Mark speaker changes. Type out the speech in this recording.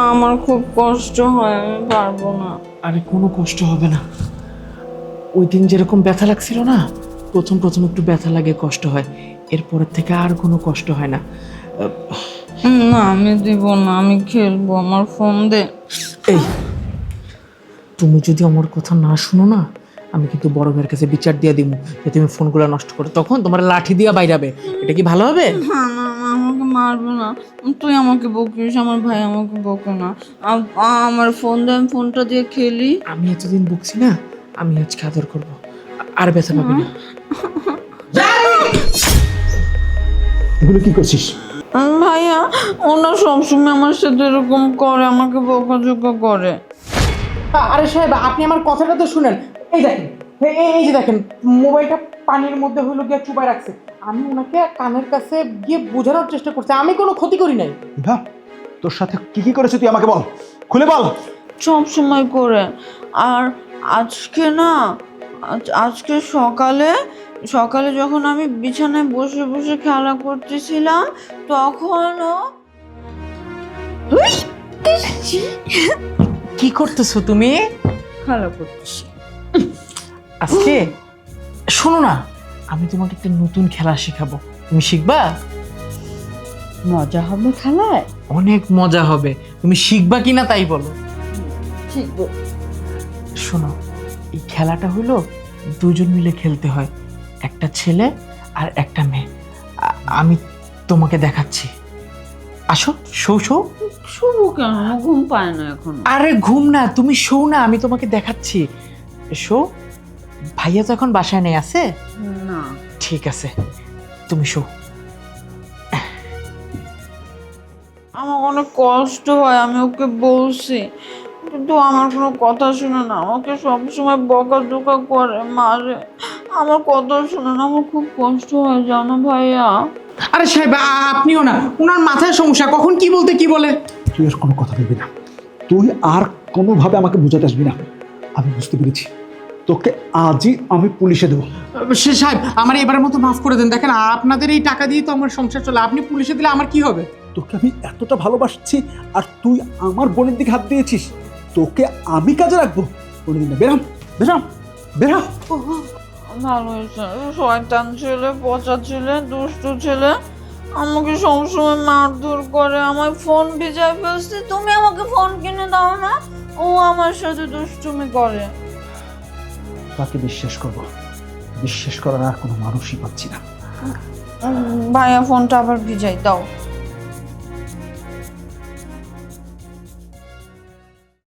Speaker 1: আমার খুব কষ্ট হয়, আমি পারবো না।
Speaker 2: আরে কোনো কষ্ট হবে না। ওই দিন যেরকম ব্যথা লাগছিল না, প্রথম প্রথম একটু ব্যথা লাগে, কষ্ট হয়, এরপরের থেকে আর কোনো কষ্ট হয় না।
Speaker 1: না আমি দিব না, আমি খেলবো, আমার ফোন দে।
Speaker 2: এই, তুমি যদি আমার কথা না শুনো না, আমি কিন্তু বড় ভাইয়ের কাছে বিচার দিয়ে দিব যে তুমি ফোনগুলো নষ্ট করো, তখন তোমার লাঠি দিয়া বাইরাবে। এটা কি ভালো হবে?
Speaker 1: না না না, আমাকে মারবে না। তুই আমাকে বকিস, আমার ভাই আমাকে বকে না। আমার ফোন দে, আমি ফোনটা দিয়ে খেলি।
Speaker 2: আমি এতদিন বকছি না, আমি আজকে আদর করবো, আর ব্যথা পাবি না।
Speaker 3: এগুলো কি করছিস?
Speaker 1: ভাইয়া ওনা সবসময় আমার সাথে এরকম করে, আমাকে বকাঝকা করে।
Speaker 2: আরে সাহেব, আপনি আমার কথাটা তো শুনেন। এই দেখেন, এই যে দেখেন, মোবাইলটা পানির মধ্যে হইলো গিয়ে চুপায় রাখছে। আমি ওনাকে কানের কাছে গিয়ে বোঝানোর চেষ্টা করছি, আমি কোনো ক্ষতি করি নাই।
Speaker 3: হ্যাঁ, তোর সাথে কি কি করেছে তুই আমাকে বল, খুলে বল।
Speaker 1: সব সময় করে। আর আজকে না, আজকে সকালে সকালে যখন আমি বিছানায় বসে বসে খেলা করতেছিলাম, তখনও
Speaker 2: কি করতেছো তুমি?
Speaker 1: খেলা করতেছি।
Speaker 2: আজকে শোনো না, আমি তোমাকে একটা নতুন খেলা শেখাবো, তুমি শিখবা?
Speaker 1: মজা হবে খেলায়?
Speaker 2: অনেক মজা হবে, তুমি শিখবা কিনা তাই বলো।
Speaker 1: শিখবো।
Speaker 2: শোনো, এই খেলাটা হলো দুজন মিলে খেলতে হয়, একটা ছেলে আর একটা মেয়ে। আমি তোমাকে দেখাচ্ছি, আসো, শো শো।
Speaker 1: শুভ কেন? ঘুম পায় না এখন।
Speaker 2: আরে ঘুম না, তুমি শো না, আমি তোমাকে দেখাচ্ছি, শো। ভাইয়া তো এখন বাসায় নেই, আছে?
Speaker 1: না।
Speaker 2: ঠিক আছে, তুমি শো।
Speaker 1: আমার অনেক কষ্ট হয়, আমি ওকে বলছি, কিন্তু আমার কোনো কথা শুনে না, আমাকে সবসময় বকাঝকা করে, মারে। আমার কথা শুনে না, আমার খুব কষ্ট হয় জানো ভাইয়া।
Speaker 2: আরে সাহেব, আপনিও না, ওনার মাথায় সমস্যা, কখন কি বলতে কি বলে।
Speaker 3: তুই আর কোনো কথা বলবি না, তুই আর কোনোভাবে আমাকে বোঝাতে আসবি না। আমি বুঝতে পেরেছি, তোকে আজই আমি পুলিশে দেবো।
Speaker 2: সে সাহেব, আমার এবারের মতো মাফ করে দেন। দেখেন, আপনাদের এই টাকা দিয়ে তো আমার সংসার চলে, আপনি পুলিশে দিলে আমার কি হবে?
Speaker 3: তোকে আমি এতটা ভালোবাসছি, আর তুই আমার বোনের দিকে হাত দিয়েছিস। তোকে আমি কাজে রাখবো কোনোদিন না। বেরাম বেরাম বেরা।
Speaker 1: ভালো হয়েছে, শয়তান ছেলে, পচা ছেলে, দুষ্টু ছেলে আমাকে সবসময় মারধর করে, আমার ফোন ভিজায় ফেলছে, তুমি আমাকে ফোন কিনে দাও না, ও আমার সাথে দুষ্টুমি করে।
Speaker 3: তাকে বিশ্বাস করবো, বিশ্বাস করার আর কোনো মানুষই পাচ্ছি না।
Speaker 1: ভাইয়া ফোনটা আবার ভিজাই দাও।